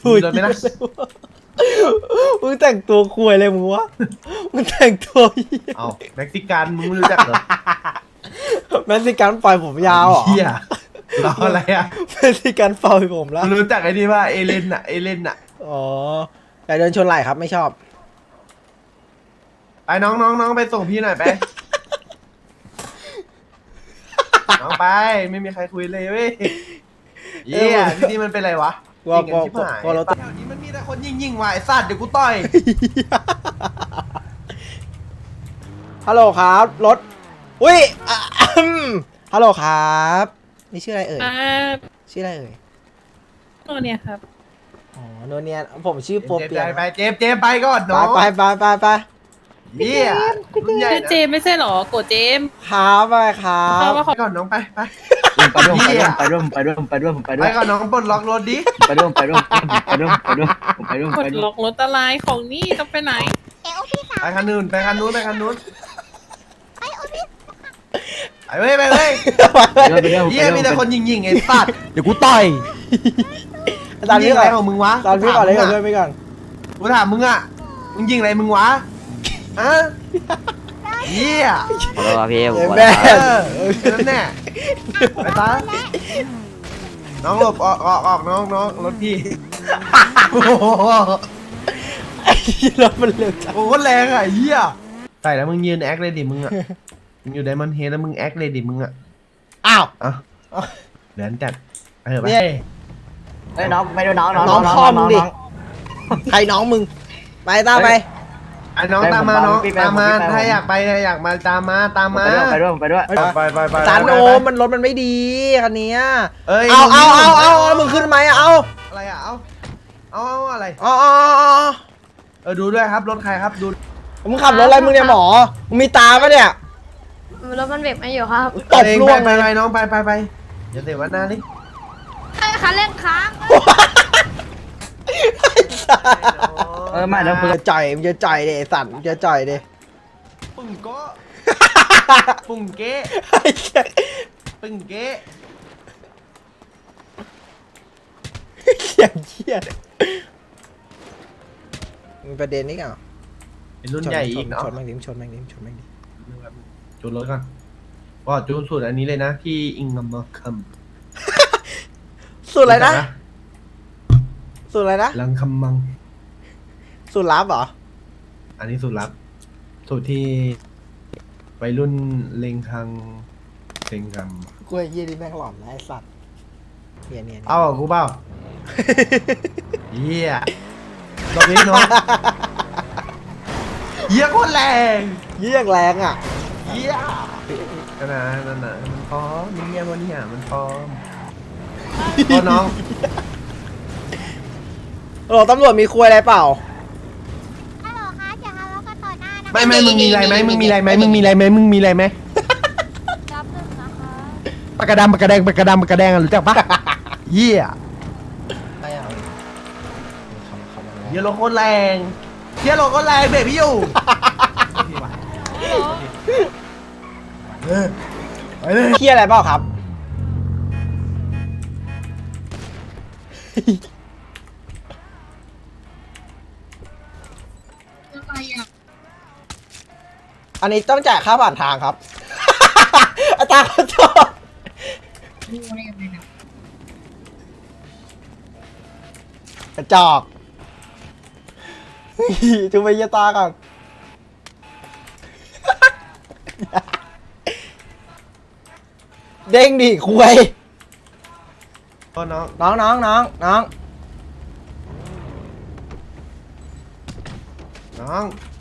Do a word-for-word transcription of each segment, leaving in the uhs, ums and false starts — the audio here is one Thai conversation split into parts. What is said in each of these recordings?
ถุยโดนไหมนะมึงแต่งตัวคุยเลยมึงวะมึงแต่งตัวเอาเม็กซิกันมึงไม่รู้จักเหรอเม็กซิกันปล่อยผมยาวเหรอเฮียรออะไรอ่ะเม็กซิกันปล่อยผมแล้วรู้จักไอ้นี่ว่าเอเลนอะเอเลนอะอ๋อแต่เดินชนไหล่ครับไม่ชอบไปน้องน้องน้องไปส่งพี่หน่อยไปน้องไปไม่มีใครคุยเลยเว้ยเฮียที่นี่มันเป็นไรวะว่ายิงกันชิบหายว่าเราแถวนี้มันมีแต่คนยิงยิงว่ะไอ้สัตว์เดี๋ยวกูต่อยฮัลโหลครับรถอุ้ยอ่ะอืมฮัลโหลครับนี่ชื่ออะไรเอ่ยชื่ออะไรเอ่ยโนเนี่ยครับอ๋อโนเนียผมชื่อโปเจมเปียไปไปเจมเจมไปก่อนไปน้องไปไปไปไปเฮียรุ่นใหญ่ชื่อนะเจมไม่ใช่หรอโกเจมครับไปครัเพราะบว่าไปก่อนน้องไปไปไปด้วยไปด้วยไปด้วยไปด้วยไปไปด้วยก่อนน้องปลดล็อกรถดิไปด้วยไปด้วยไปด้วยไปด้วยไปด้วยกไปดด้วยล็อกรถอะไรของนี่ต้องไปไหนไปคันนู้นไปคันนู้นไปคันนู้นไปเว้ยไปเว้ยไปด้วยเฮียมีแต่คนยิงยิงไอ้สัตว์เดี๋ยวกูต่อยอาจารย์ยิพี่งก่อะอนไรของมึงวะอาจารย์พี่ก่อนเลยก่อนเพื่อนพี่ก่อนกูถามมึงอ่ะมึงยิงอะไรมึงวะฮะเฮียขอโทษครับพี่ผมเอ้ยขอแม่เออแค่นั้นแน่ไปตาน้องหลบออกออกออกน้องน้องรถพี่โอ้โหไอ้รถมันเร็วจังโอ้โหแรงอ่ะเฮียใส่แล้วมึงยืนแอคเลยดิมึงอ่ะมึงอยู่ไดมอนด์เฮดแล้วมึงแอคเลยดิมึงอ่ะอ้าวอ่ะเดี๋ยวจัดไปเถอะไปเนี่ยเฮ้ยน้องไปด้วยน้องน้องน้องพ่อมึงดิใครน้องมึงไปตามไปไอ้น้องตามมาน้องตามมาถ้าอยากไปอยากมาตามมาตามมาไปด้วยไปด้วยไปไปไปอาจารย์โอมมันรถมันไม่ดีคันเนี้ยเอ้ยเอาเอาเอาเอาเอามึงขึ้นไหมเอาอะไรอ่ะเอาเอาเอาอะไรเอาเอาเอาเออดูด้วยครับรถใครครับดูมึงขับรถอะไรมึงเนี่ยหมอมึงมีตาปะเนี่ยรถมันเบรกไม่อยู่ครับตบล่วงไปเลยไปน้องไปไปไปอย่าเตะวันหน้าดิใช่ค่ะเร่งค้างเออมาแล้วมึงจะจ่อยมึงจะจ่อยเดสัตว์มึงจะจ่อยเดปุ่งโก้ปุ่งเก้ไอ้เหี้ยปึ้งเก้เหี้ยเหี้ยมีประเด็นนี้ก่อนเป็นรุ่นใหญ่อีกเนาะชนแม่งดิชนแม่งดิชนแม่งดิจูนรถก่อนก็จูนสูตรอันนี้เลยนะที่อิงกัมเมอร์คัมสูตรอะไรนะสูตรอะไรนะลังคัมมังสูตรลับเหรออันนี้สูตรลับสูตรที่วัยรุ่นเลงคังเลงคัมกูไอ้เหี้ยนี่แม่งหลอนนะไอ้สัตว์เหี้ยเนี่ยเอาอ่ะกูเปล่าเฮียดอกนี้เนาะเฮียโคตรแรงเยี่ยงแรงอ่ะเฮียนั่นน่ะนั่นน่ะมันพร้อมมีเมียวันนี้อ่ะมันพร้อมพอน้องโอ้ตำรวจมีคุยอะไรเปล่าฮัลโหลคะอย่าทะเลาะกันต่อหน้านะไม่ไม่มึงมีอะไรไหมมึงมีอะไรไหมมึงมีอะไรไหมมึงมีอะไรไหมรับหนึ่งนะคะปากกระดำปากกระแดงปากกระดำปากกระแดงอะรู้จักปะเฮียไม่เอาเฮียโลโคตรแรงเฮียโลโคตรแรงเบรกพี่อยู่เออไปเลยเหี้ยอะไรเปล่าครับ อันนี้ต้องจ่ายค่าผ่านทางครับ อาจารย์ขอโทษกระจอกจูไปเยตาก่อน เด้งดิคุยพ่อน้องน้องน้องน้องน้องน้อง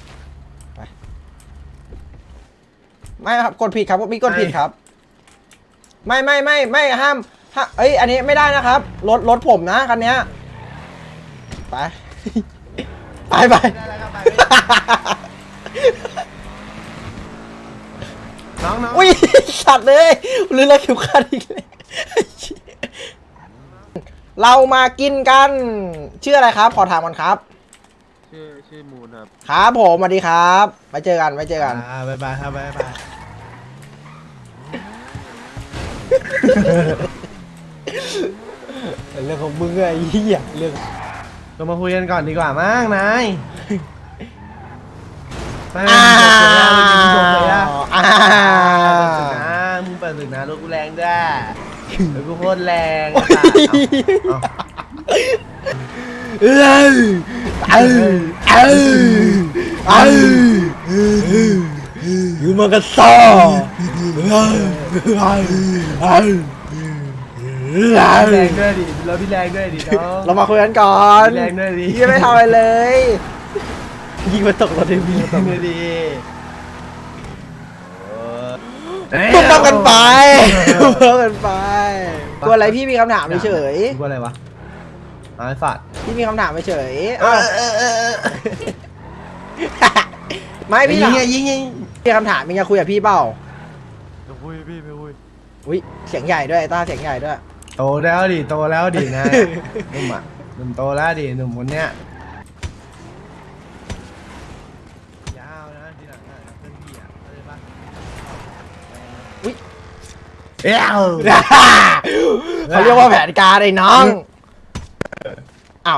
ไม่ครับกดผิดครับมีกดผิดครับ ไม่ไม่ไม่ไม่ห้ามห้าเอ้ยอันนี้ไม่ได้นะครับรถรถผมนะคันเนี้ยไป ไปไปได้แล้วครับไปน้องน้องอุ้ยสัตว์เลยลืมแล้วเข็มขัดอีกเลยเรามากินกันชื่ออะไรครับขอถามก่อนครับชื่อชื่อมูนครับครับผมสวัสดีครับไว้เจอกันไว้เจอกันอ่าบายบายครับบายบายเรื่องของมึงไอ้เหี้ยเรื่องก็มาคุยกันก่อนดีกว่ามั้งนายไม่อ้ามึงจบเลยอะวอ้ามึงเปิดศึกนะมึงเปิดศึกวนะรถกูแรงด้วยรถกูโคตรแรงเอ้ยเอ้ยเอ้ยเอ้ยอยู่มากระซ่อเอ้ยเอ้ยเอ้ยแรงด้วยดิรถพี่แรงด้วยดิน้องเรามาคุยกันก่อนแรงด้วยดิยังไม่ทำอะไรเลยยิงมาตกรถเดวิแรงด้วยดิตุ้มต้มกันไปตุ้มต้มกันไปกลัวอะไรพี่มีคำถามเฉยกูอะไรวะไอ้สัตว์พี่มีคำถามเฉยเออเออเออเออไม่พี่ยิถาง มไงยิงยิงมีคำถามมีจะคุยกับพี่เปล่าไม่คุยพี่ไม่คุยอุ้ยเสียงใหญ่ด้วยต้าเสียงใหญ่ด้วยโตแล้วดิโตแล้วดินะหนุ่มอ่ะหนุ่มโตแล้วดิหนุ่มคนเนี้ยยาวนะทีหลังอ่ะเพื่อนพี่อ่ะเข้าใจปะอุ๊ยเอ้าเขาเรียกว่าแผนการไอ้น้องอ้าว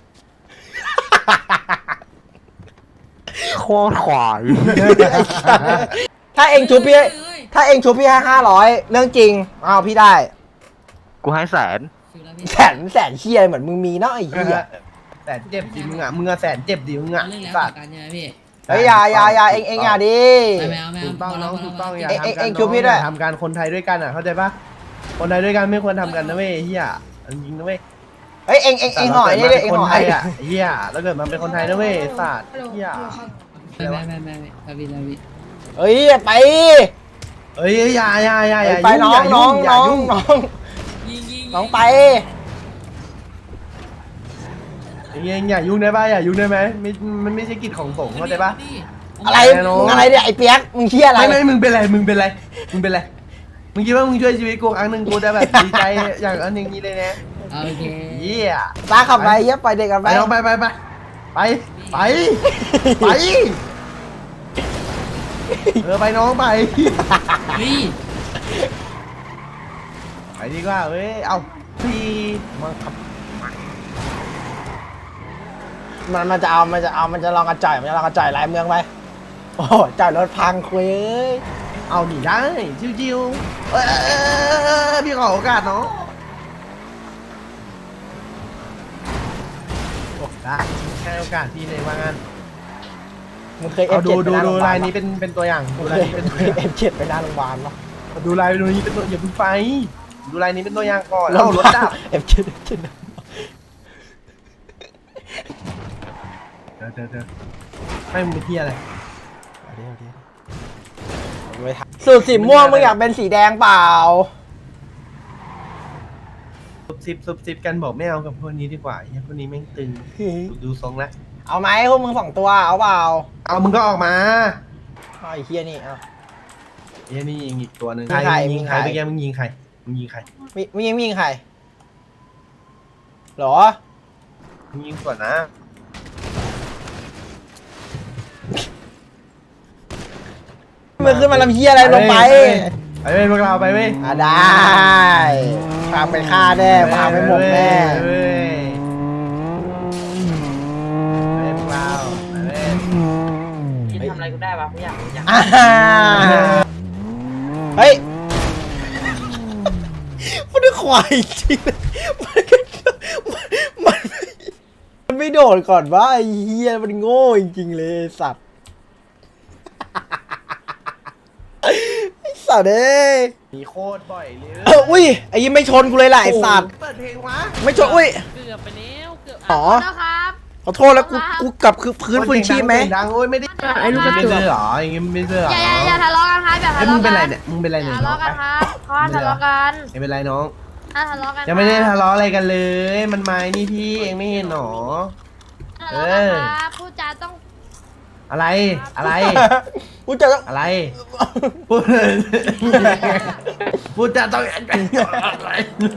โคตรขวายถ้าเองชูพี่ถ้าเองชูพี่ให้ห้าร้อยเรื่องจริงอ้าวพี่ได้กูให้แสนแสนแสนเชียเหมือนมึงมีเนาะไอ้เหี้ยแสนเจ็บดิมึงอ่ะมึงอ่ะแสนเจ็บดิมึงอ่ะเรื่องแล้วสัต่ตอว์กันใช่ไหมพี่เฮ้ยอย่าอย่าอย่าเองเองอย่าดิไม่เอาไม่ถูเอากต้องน้องถูกต้องอย่าเอ็งทำเอ็งกัเอ็นงชูพี่ด้วยทำการคนไทยด้วยกันอ่ะเข้าใจปะคนไทยด้วยกันไม่ควรทำกันนะเว้ยเฮียจริงนะเว้ยเฮ้ยเองเองเองหอยนี่ดิเองคนหอไทยยอ่ะเฮียแล้วเกิดมันเป็นคนไทยนะเว้ยสัตว์เฮียไม่ไม่ไม่ไม่ไม่พี่พี่เฮ้ยไปเอ้ยอย่าอย่าอย่าอย่าไปน้องน้องอย่าน้องยุ่งน้องยิงยิงน้องไปอย่ายุ่งอย่ายุ่งได้ปะอย่ายุ่งได้ไหมไม่มันไม่ใช่กิจของสงฆ์เข้าใจปะอะไรไปน้องมึงอะไรเนี่ยไอ้เปียกมึงเชี่ยอะไรไม่ไม่มึงเป็นไรมึงเป็นไรมึงเป็นไรมึงคิดว่ามึงช่วยชีวิตกูครั้งหนึ่งกูจะแบบดีใจอย่างอันอย่างนี้เลยนะโอเคเฮียตาขับไปเยี่ยไปเด็กกันไปไปน้องไปไปไปไปไปไปเออไปน้องไปพี่ไปดีกว่าเว้ยเอาพี่มันมันจะเอามันจะเอามันจะลองกระจ่ายมันจะลองกระจ่ายหลายเมืองไปโอ้โหจ่ายรถพังคุยเอ้ยเอาหนีได้ชิวๆเออพี่ขอโอกาสน้องได้ให้โอกาสพี่เลยว่างั้นมึงเคยเอเอาฟดูเจ็ดไปดูหน้าโรดูงพยาบาลายลนี้เป็นเป็นตัวอย่างดูมึงลายเคยนี้เป็นตัวเคอย ย่างเอฟเจ็ดไปหน้าโรงพยาบาลปะดูลายนี้เป็นตัวอย่าเพิ่งไปดูลายนี้เป็นตัวอย่างก่อนเอารถดับเอฟเจ็ดเอฟเจ็ดเดี๋ยวเดี๋ยวเดี๋ยวให้มึงไปเที่ยอะไรสูตรสีม่วงมึงอยากเป็นสีแดงเปล่าซุบซิบซุบซิบกันบอกไม่เอากับพวกนี้ดีกว่าไอ้พวกนี้แม่งตึงดูทรงแล้วเอาไหมพวกมึงสองตัวเอาเปล่าเอามึงก็ออกมาเอาไอ้เฮียนี่เอาเฮ้ยนี่ยิงอีกตัวหนึ่งมีใครมึงยิงใครมีใครเมื่อกี้มึงยิงใครมึงยิงใครมีมียิงมียิงใครหรอมึงยิงก่อนนะมึงขึ้นมาลำเฮียอะไรลงไปไปเว้ยพวกเราไปเว้ยอ่ะได้พาไปฆ่าแน่พาไปหมกแน่เว้ยไปพวกเราไปเว้ยคิดทำอะไรกูได้ปะไม่อยากรู้จักอ่าเฮ้ยมันได้ควายจริงเลยมันก็มันมันไม่โดดก่อนว่าไอ้เฮียมันโง่จริงๆเลยไอ้สัตว์ไอ้สัตว์เอ้ยมีโคตรบ่อยเลยเอออุ้ยไอ้ยี่ไม่ชนกูเลยแหละไอ้สัตว์เปิดเพลงวะไม่ชนอุ้ยเกือบไปแล้วเกือบอ๋อนะครับขอโทษแล้วกูกูกลับคือพื้นฟื้นชีพไหมเสียงดังโอ้ยไม่ได้ไอ้ลูกกระไม่จเจอกอเหรออย่างงี้ไม่เจอเหรออย่าอย่าอย่าทะเลาะกันครับอย่าไอ้ทะมึงเลาะเป็นกัไรนเนี่ยมึงเป็นไรอเนี่ยย่าทะเลาะกันครับเขาห้ามทะเลาะกันไม่เป็นไรน้องห้ามทะเลาะกันยังไม่ได้ทะเลาะอะไรกันเลย มันไม้นี่พี่เองไม่เห็นหรอทะเลาะกันครับพูดจาต้องอะไรอะไรกูจะต้องอะไรพูดพูดจะต้องอะไร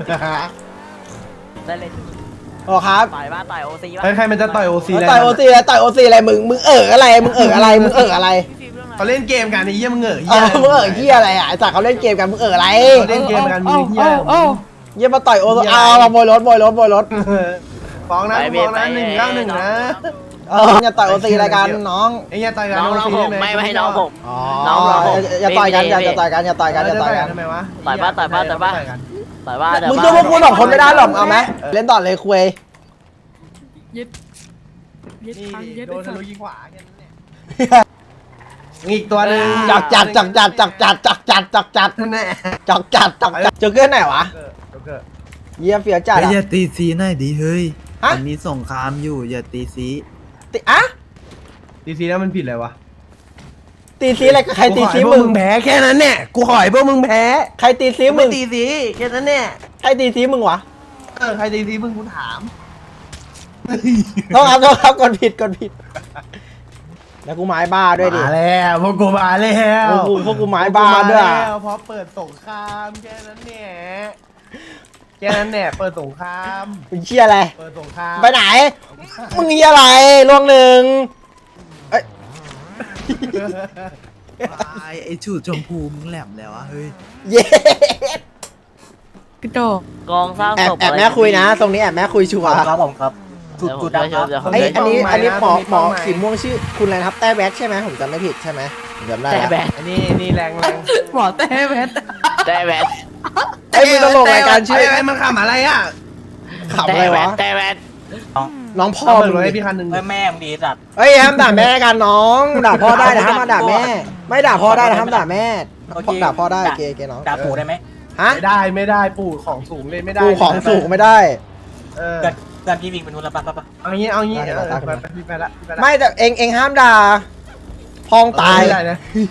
ได้เลยโอ้ครับต่อยบ้าต่อยโอซีบ้าใครใครมันจะต่อยโอซีต่อยโอซีอะไรต่อยโอซีอะไรมึงมึงเอออะไรมึงเอออะไรมึงเอออะไรเขาเล่นเกมกันไอ้เหี้ยมึงเหงอเอเหี้ยอมึงเออเฮียอะไรอ่ะไอ้สัตว์เขาเล่นเกมกันมึงเอออะไรเขาเล่นเกมกันมึงเหี้ยเยี่ยมาต่อยโอซีเอามาโมยรถโมยรถโมยรถฟ้องนะไปฟ้องนะไปหนึ่งเก้าหนึ่งนะเอออย่าต่อยโอซีอะไรกันน้องไอ้อย่าต่อยกันน้องน้องผมไม่ไม่ให้น้องผมอ๋อน้องเราผมอย่าต่อยกันพี่อย่าพี่อย่าต่อยกันอย่าต่อยกันอย่าต่อยกันทำไมวะต่อยปะต่อยปะต่อยปะ แต่ว่าแต่มึงว่าสู้พวกกูสองคนไม่ได้หรอกเอาไหมเล่นต่อเลยคุยยึดยึดนี่ฟังยึดโดนไอ้ทะสัตลุว์ยิงขวาแค่นั้นแหละอีกตัวหนึ่งจักจัดจักจัดจักจัดจักจัดจักจัดนั่นแหละจักจัดจักจัดเจอเกินไหนวะโจ๊กเกอร์เยี่ยเฟียจัดเฮ้ยอะอย่าตีซีหน่อยดิเฮ้ยฮะมันมีสงครามอยู่อย่าตีซีติอะตีซีแล้วมันผิดอะไรวะตีซีอะไรกับใครตีซีกูขอให้พวกมึงแพ้แค่นั้นเนี่ยกูขอให้พวกมึงแพ้ใครตีซีมึมึงงตีซีแค่นั้นเนี่ยใครตีซีมึงวะเออใครตีซีมึงกูถามโทษครับโทษครับกดผิดกดผิด แล้วกูไม้บ้าด้วยดิมาแล้วพวกกูมาแล้วพวกกูพวกกูไม้บ้าด้วยพกกูมแล้วเพราะเปิดสงครามแค่นั้นเนี่ยแค่นั้นเนี่ยเปิดสงครามมึงเชี่ยอะไรเปิดสงครามไปไหน มึงเหี้ยอะไรลวงหนึ่งเอ้ยไอ้ไอ้ชูดชมพูมึงแหลมแล้วอะเฮ้ยเย้กระโดดกองสร้างแอบศพแอบแม่คุยนะ ตรงนี้แอบแม่คุยชัวร์ครับผมครับจุดจุดดังครับไอยอันนี้อันนี้หมอหมอสีม่วงชื่อคุณอะไรนะครับแต้แบทใช่ไหมผมจำไม่ผิดใช่ไหมผมจำได้แต่แล้วแบทอันนี้นี่แรงแรงหมอแต่แพทแต่แบทไอ้ยมึงตลกรายการชื่อไอ้มันขำอะไรอ่ะขำอะไรวะแต่แบทน้องพ่อเอาเปิมึดงไว้ให้ดิพี่คันหนึ่งแม่มึงดีสัตว์เอ้ยห้ามด่าแม่กันน้องด่าพ่อได้นะห้ามมาด่าแม่ ไม่ด่าพ่อได้นะห้ามด่าแม่ด่าพ่อได้เกย์เกย์น้องด่าปู่ได้ไหมฮะไม่ได้ไม่ได้ปู่ของสูงเลยไม่ได้กูของสูงไม่ได้เออเกิดเกิดพี่วิ่งไปนู่นแล้วปะปะปะเอางี้เอางี้ได้เออได้ไปไปพี่ไปละพี่ไปละไม่แต่เองเองห้ามด่าพองตายไม่ได้นะ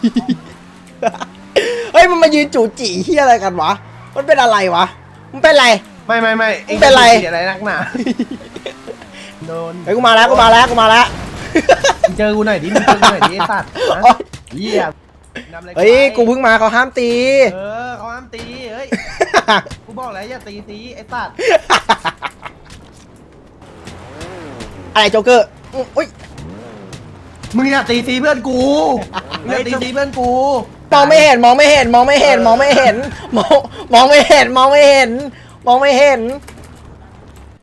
เฮ้ยมันมายืนจู่จีเฮียอะไรกันวะมันเป็นอะไรวะมันเป็นอะไรไม่ไม่ไม่องเป็นไรจะสีอะไรนักหนาโดนเฮ้ยกูมาแล้วกูมาแล้วกูมาแล้วมึงเจอกูหน่อยดิมึงเจอกูหน่อยดิไอ้สัตว์นะโอ๊ยเหี้ยนำอะไรเฮ้ยไปกูเพิ่งมาเขาห้ามตีเออเขาห้ามตีเฮ้ยกูบอกแล้วอย่าตีตีไอ้สัตว์อะไรโจ๊กเกอร์อุ้ยมึงอย่าตีตีเพื่อนกูมึงอย่าตีตีเพื่อนกูมองไม่เห็นมองไม่เห็นมองไม่เห็นมองไม่เห็นมองมองไม่เห็นมองไม่เห็นมองไม่เห็น